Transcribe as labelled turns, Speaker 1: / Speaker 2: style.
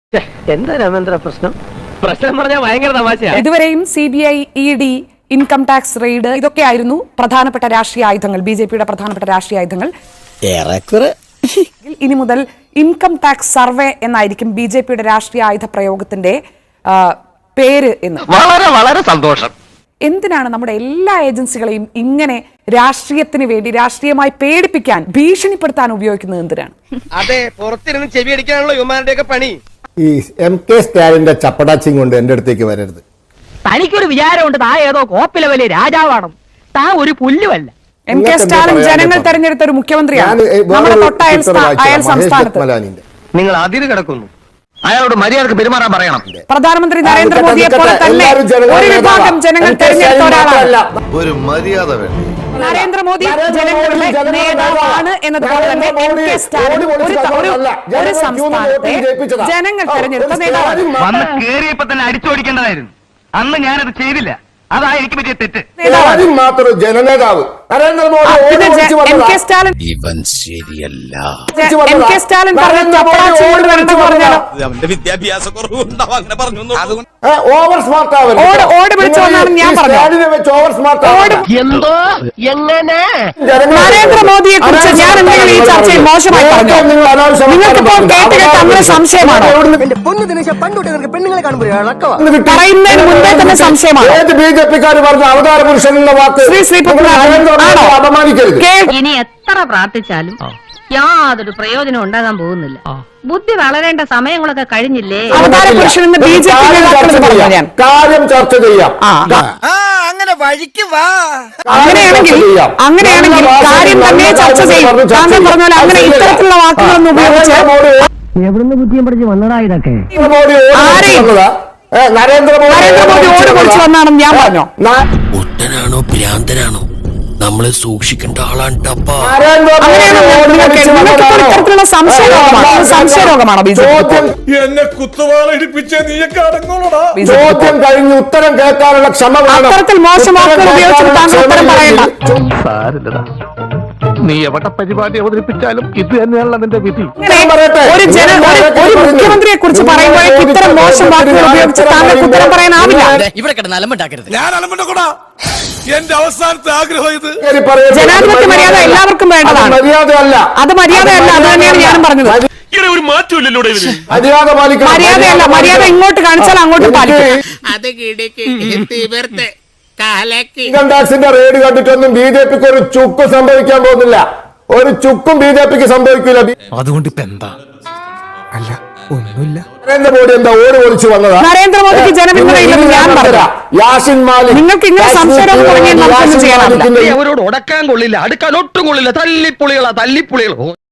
Speaker 1: എന്താ രാമേന്ദ്ര പ്രശ്നം പറഞ്ഞാൽ ഭയങ്കര തമാശയാണ്.
Speaker 2: ഇതുവരെയും CBI, ED, income tax raid ഇതൊക്കെയായിരുന്നു പ്രധാനപ്പെട്ട രാഷ്ട്രീയ ആയുധങ്ങൾ, BJP-യുടെ പ്രധാനപ്പെട്ട രാഷ്ട്രീയ ആയുധങ്ങൾ. ഇനി മുതൽ ഇൻകം ടാക്സ് സർവേ എന്നായിരിക്കും BJP-യുടെ രാഷ്ട്രീയ ആയുധ പ്രയോഗത്തിന്റെ പേര് എന്ന്.
Speaker 1: വളരെ വളരെ സന്തോഷം.
Speaker 2: എന്തിനാണ് നമ്മുടെ എല്ലാ ഏജൻസികളെയും ഇങ്ങനെ രാഷ്ട്രീയത്തിന് വേണ്ടി രാഷ്ട്രീയമായി പേടിപ്പിക്കാൻ, ഭീഷണിപ്പെടുത്താൻ ഉപയോഗിക്കുന്നത്? എന്തിനാണ്?
Speaker 3: അതെ, പുറത്തിരുന്ന് ചെവി അടിക്കാനുള്ള യുവമാരുടെയൊക്കെ പണി.
Speaker 4: ഈ MK സ്റ്റാലിന്റെ ചപ്പടാച്ചിങ് കൊണ്ട് എന്റെ അടുത്തേക്ക് വരരുത്.
Speaker 5: തനിക്കൊരു വിചാരമുണ്ട് താ ഏതോ കോപ്പിലെ വലിയ രാജാവാണ്, താ ഒരു പുല്ലുമല്ല.
Speaker 2: MK സ്റ്റാലിൻ ജനങ്ങൾ തെരഞ്ഞെടുത്ത ഒരു മുഖ്യമന്ത്രിയാണ്. നമ്മുടെ തൊട്ടയൽ സംസ്ഥാനത്ത്
Speaker 1: നിങ്ങൾ അതിര് കിടക്കുന്നു. അയാളോട് മര്യാദക്ക് പെരുമാറാൻ പറയണം.
Speaker 2: പ്രധാനമന്ത്രി നരേന്ദ്രമോദിയെ പോലെ തന്നെ ഒരു വിഭാഗം ജനങ്ങൾ തെരഞ്ഞെടുത്ത ഒരാളാണ്.
Speaker 6: ഒരു മര്യാദ വേണം.
Speaker 2: നരേന്ദ്രമോദി ജനങ്ങളുടെ നേതാവാണ് എന്നതുപോലെ തന്നെ MK സ്റ്റാലിൻ ഒരു സംസ്ഥാനത്തെ ജനങ്ങൾ തെരഞ്ഞെടുത്ത നേതാവാണ്.
Speaker 1: വന്ന് കേറിയപ്പോ തന്നെ അടിച്ചോടിക്കേണ്ടതായിരുന്നു. അന്ന് ഞാനത് ചെയ്തില്ല. അതാ എനിക്ക് പറ്റിയ തെറ്റ്.
Speaker 4: മാത്രം ജനനേതാവ്
Speaker 2: MK സ്റ്റാലിൻ
Speaker 6: വിദ്യാഭ്യാസ
Speaker 4: ഓവർ സ്മാർട്ട്
Speaker 2: ഓട് വിളിച്ചു വന്നാണ് ഞാൻ പറഞ്ഞത്.
Speaker 5: എന്തോ എങ്ങനെ
Speaker 2: നരേന്ദ്രമോദിയെ കുറിച്ച് ഞാൻ എന്തെങ്കിലും ഈ ചർച്ചയിൽ മോശമായി പറഞ്ഞു? നിങ്ങൾക്കിപ്പോൾ കേട്ട് അങ്ങനെ സംശയമാണോ? പറയുന്നതിന് മുൻപേ തന്നെ സംശയമാണ്.
Speaker 4: BJP-ക്കാർ പറഞ്ഞ അവതാര പുരുഷൻ എന്ന വാക്ക് അപമാനിക്കരുത്.
Speaker 7: ഇനി എത്ര പ്രാർത്ഥിച്ചാലും യാതൊരു പ്രയോജനം ഉണ്ടാകാൻ പോകുന്നില്ല. ബുദ്ധി വളരേണ്ട സമയങ്ങളൊക്കെ കഴിഞ്ഞില്ലേ?
Speaker 2: അവതാര പുരുഷൻ എന്ന് BJP
Speaker 4: കാര്യം ചർച്ച ചെയ്യാം.
Speaker 3: അങ്ങനെ വഴിക്ക് വാ.
Speaker 2: അങ്ങനെയാണെങ്കിൽ കാര്യം തന്നെ ചർച്ച ചെയ്യും. താങ്കൾ പറഞ്ഞാൽ അങ്ങനെ ഇത്തരത്തിലുള്ള വാക്കുകളൊന്നും ഉപയോഗിച്ച്
Speaker 5: എവിടുന്ന് ബുദ്ധിയും പഠിച്ച് വന്നതാ ഇതൊക്കെ?
Speaker 2: നരേന്ദ്രമോദി ഓട് വിളിച്ചു വന്നാണെന്ന് ഞാൻ പറഞ്ഞു.
Speaker 8: ഒട്ടനാണോ ഭ്രാന്തനാണോ നമ്മളെ സൂക്ഷിക്കേണ്ട ആളാണ്.
Speaker 2: ഇത്തരത്തിലുള്ള സംശയരോഗമാണോ
Speaker 6: എന്നെ കുത്തുവാളടിപ്പിച്ച നീയൊക്കെ അടങ്ങോളടാ.
Speaker 4: ചോദ്യം കഴിഞ്ഞ് ഉത്തരം കേൾക്കാനുള്ള ക്ഷമ വേണം.
Speaker 2: അത്തരത്തിൽ മോശം വാക്കുകൾ ഉപയോഗിച്ചിട്ട് താങ്കൾ ഉത്തരം പറയണ്ട.
Speaker 1: നീ എവിടെ പരിപാടി അവതരിപ്പിച്ചാലും ഇത് തന്നെയാണല്ലോ നിന്റെ വിധി.
Speaker 2: ഒരു മുഖ്യമന്ത്രിയെ കുറിച്ച് പറയുമ്പോഴേക്ക് ഇത്തരം മോശം വാക്കുകൾ ഉപയോഗിച്ച് താങ്കൾക്ക് ഉത്തരം പറയാനാവില്ല.
Speaker 8: ഇവിടെ കിടന്ന് അലമ്പുണ്ടാക്കരുത്.
Speaker 6: ഞാൻ അലമ്പുണ്ടാക്കൂടാ. എന്റെ അവസാനത്തെ ആഗ്രഹം ഇത്.
Speaker 2: ജനാധിപത്യ മര്യാദ എല്ലാവർക്കും വേണ്ടതാണ്.
Speaker 4: മര്യാദയല്ല,
Speaker 2: അത് മര്യാദയല്ല. അത് തന്നെയാണ് ഞാനും പറഞ്ഞത്.
Speaker 6: ഒരു മാറ്റമില്ലല്ലോ.
Speaker 4: മര്യാദ പാലിക്കണം.
Speaker 2: മര്യാദയല്ല, മര്യാദ ഇങ്ങോട്ട് കാണിച്ചാൽ അങ്ങോട്ട് പാലിക്കും.
Speaker 4: ഇൻകം ടാക്സിന്റെ റെയ്ഡ് കണ്ടിട്ടൊന്നും BJP-ക്ക് ഒരു ചുക്കും സംഭവിക്കാൻ പോകുന്നില്ല. ഒരു ചുക്കും BJP-ക്ക് സംഭവിക്കില്ല.
Speaker 8: അതുകൊണ്ട് ഇപ്പൊ എന്താ?
Speaker 4: അല്ല, ഒന്നുമില്ല. നരേന്ദ്രമോദി എന്താ ഓട് പൊളിച്ചു വന്നതാ?
Speaker 2: നരേന്ദ്രമോദിക്ക് ജനപിന്തുണയില്ലെന്ന് ഞാൻ പറഞ്ഞു.
Speaker 4: യാസിൻ മാലിക്
Speaker 2: നിങ്ങൾക്ക് ഇങ്ങനെ സംശയം തുടങ്ങിയാൽ നമുക്കൊന്നും ചെയ്യാനാവില്ല.
Speaker 1: അവരോട് ഉടക്കാൻ കൊള്ളില്ല, അടുക്കാൻ ഒട്ടും കൊള്ളില്ല. തല്ലിപ്പുളികളാ.